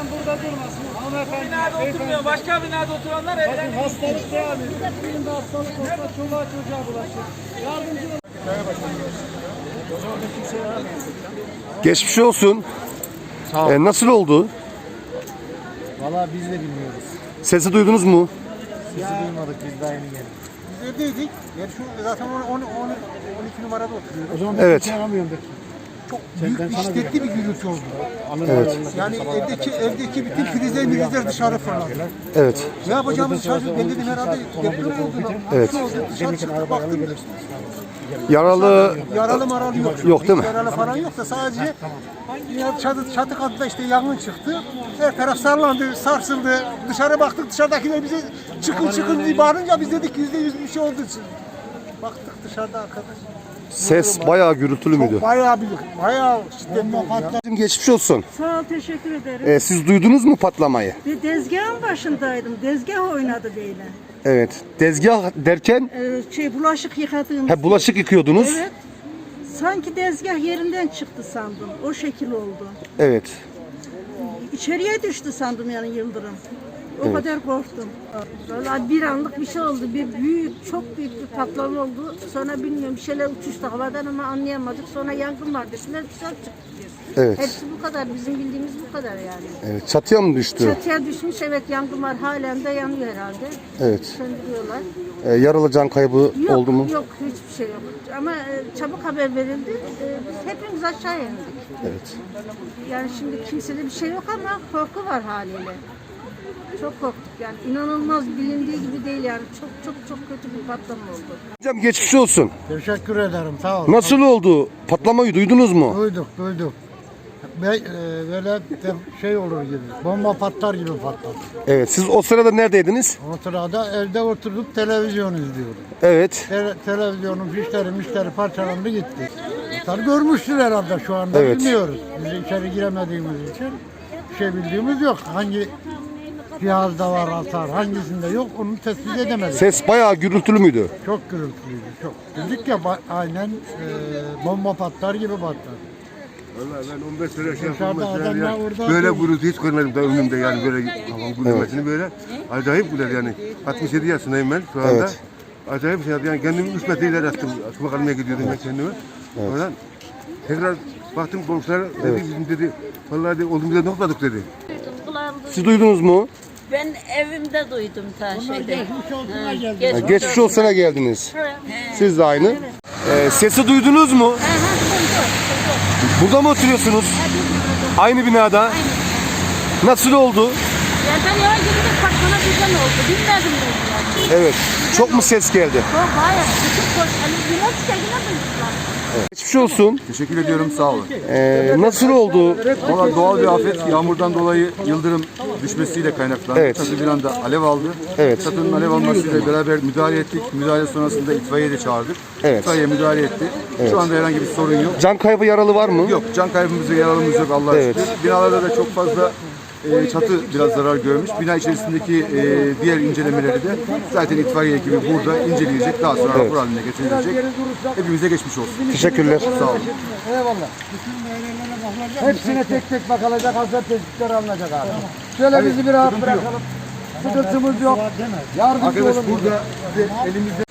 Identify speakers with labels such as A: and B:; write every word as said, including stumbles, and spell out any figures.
A: burada durmasın. Hanımefendi.
B: Binada oturmuyor. Başka binada oturanlar
A: Bakın
B: evden
A: hastalık devam ediyor. Birinde hastalık olsa çoluğa çocuğa bulaşır. Yardımcı olun. O zaman da kimseye yaramayacak.
C: Geçmiş olsun.
A: Sağ ol.
C: Ee, nasıl oldu?
A: Valla biz de bilmiyoruz.
C: Sesi duydunuz mu?
A: Sesi duymadık, biz daha yeni geldik.
D: Biz evdeydik. Yani şu zaten on, on, on, on iki numarada oturuyoruz.
A: O zaman
C: Evet.
A: kimseye yaramıyorum de.
D: Çok büyük bir şiddetli bir gürültü oldu.
C: Evet.
D: Yani evdeki evdeki bütün filizler milizler dışarı fırladı.
C: Evet.
D: Ne yapacağımızı şaşırdık. Ben dedim herhalde deprem oldu.
C: Evet.
D: Şu oldu. Dışarı çıktık baktım.
C: Yaralı
D: Yaralı maralı yok.
C: Yok değil mi?
D: Yaralı falan yok da sadece ya çatı, çatı katında işte yangın çıktı. Her taraf sarlandı, sarsıldı. Dışarı baktık, dışarıdakiler bize çıkın çıkın diye bağırınca biz dedik yüzde yüz bir şey oldu. Baktık dışarıda arkadaş.
C: ses bayağı gürültülü müydü?
D: Çok bayağı büyük, bayağı şiddetli oldu ya.
C: Geçmiş olsun.
E: Sağ ol, teşekkür ederim.
C: Ee, siz duydunuz mu patlamayı?
E: Bir tezgahın başındaydım. Tezgah oynadı böyle.
C: Evet. Tezgah derken
E: Ee, şey bulaşık yıkadığımız.
C: he, bulaşık yıkıyordunuz.
E: Evet. Sanki tezgah yerinden çıktı sandım. O şekil oldu.
C: Evet.
E: İçeriye düştü sandım yani yıldırım. O kadar korktum.
F: Vallahi bir anlık bir şey oldu. Bir büyük, çok büyük bir patlama oldu. Sonra bilmiyorum bir şeyler uçuştu havadan ama anlayamadık. Sonra yangın var dediler, dışarı çıktık biz.
C: Evet.
F: Hepsi bu kadar. Bizim bildiğimiz bu kadar yani.
C: Evet. Çatıya mı düştü?
F: Çatıya düşmüş, evet, yangın var. Halen de yanıyor herhalde.
C: Evet.
F: Söndürüyorlar.
C: Ee, yaralı can kaybı
F: Yok,
C: oldu mu?
F: yok, hiçbir şey yok. Ama e, çabuk haber verildi. E, biz hepimiz aşağı indik.
C: Evet.
F: Yani şimdi kimsede bir şey yok ama korku var haliyle. Çok korktuk yani. İnanılmaz, bilindiği gibi değil yani. Çok çok çok kötü bir patlama oldu.
C: Hocam geçmiş olsun.
D: Teşekkür ederim, sağ ol.
C: Nasıl oldu? Patlamayı duydunuz mu?
D: Duyduk, duyduk. Be, e, böyle de şey olur gibi, bomba patlar gibi patladı.
C: Evet. Siz o sırada neredeydiniz?
D: O sırada evde oturduk, televizyon izliyorduk.
C: Evet.
D: Te- televizyonun fişleri, mişleri parçalandı gitti. Tabii görmüştür herhalde şu anda,
C: Evet.
D: bilmiyoruz. Biz içeri giremediğimiz için bir şey bildiğimiz yok. Hangi cihazda var hasar, hangisinde yok, onu tespit edemedik.
C: Ses bayağı gürültülü müydü?
D: Çok gürültülüydü, çok. Dedik ya ba- aynen e, bomba patlar gibi patlar.
G: Vallahi ben on beş sene şey
D: Dışarıda
G: yaptım mesela
D: adamlar
G: ya.
D: orada
G: Böyle
D: değil.
G: gürültü hiç görmedim daha ömrümde yani böyle havan gürülmesini böyle. Acayip güler yani. altmış yedi yaşındayım ben şu anda.
C: Evet.
G: Acayip şey yaptım yani kendimi üç metre ileri attım. Su kalmaya gidiyordum ben kendime. Oradan tekrar baktım komşular dedi bizim dedi vallahi dedi, olduğumuzda ne topladık dedi.
C: Siz duydunuz mu?
H: Ben evimde duydum ta şeyde.
C: Ha, geçmiş olsuna geldiniz. Siz de aynı. Ee, sesi duydunuz mu? Burada mı oturuyorsunuz? Aynı binada. Nasıl oldu?
F: Ya ben eve girince patlama birden oldu. Bilmedim ben yani.
C: Evet. Çok mu ses geldi?
F: Çok bayağı. Bütün kork. Hani biraz çekine duymuşlar.
C: Geçmiş olsun.
I: Teşekkür ediyorum, sağ olun.
C: Ee, nasıl oldu?
I: Valla doğal bir afet, yağmurdan dolayı yıldırım düşmesiyle kaynaklandı.
C: Evet.
I: Çatı bir anda alev aldı.
C: Evet.
I: Çatının alev almasıyla beraber müdahale ettik. Müdahale sonrasında itfaiye de çağırdık.
C: Evet.
I: İtfaiye müdahale etti. Şu anda herhangi bir sorun yok.
C: Can kaybı yaralı var mı?
I: Yok, can kaybımız ve yaralımız yok Allah'a
C: Evet.
I: şükür. Binalarda da çok fazla e, çatı biraz zarar görmüş. Bina içerisindeki e, diğer incelemeleri de zaten itfaiye ekibi burada inceleyecek. Daha sonra rapor haline getirilecek. Hepimize geçmiş olsun.
C: Teşekkürler.
I: Sağ olun.
D: Eyvallah. Hepsine tek tek bakılacak, hazır tespitler alınacak abi. Şöyle bizi bir rahat bırakalım. Sıkıntımız yok. Yardımcı
I: Arkadaş
D: olun.
I: burada size elimizde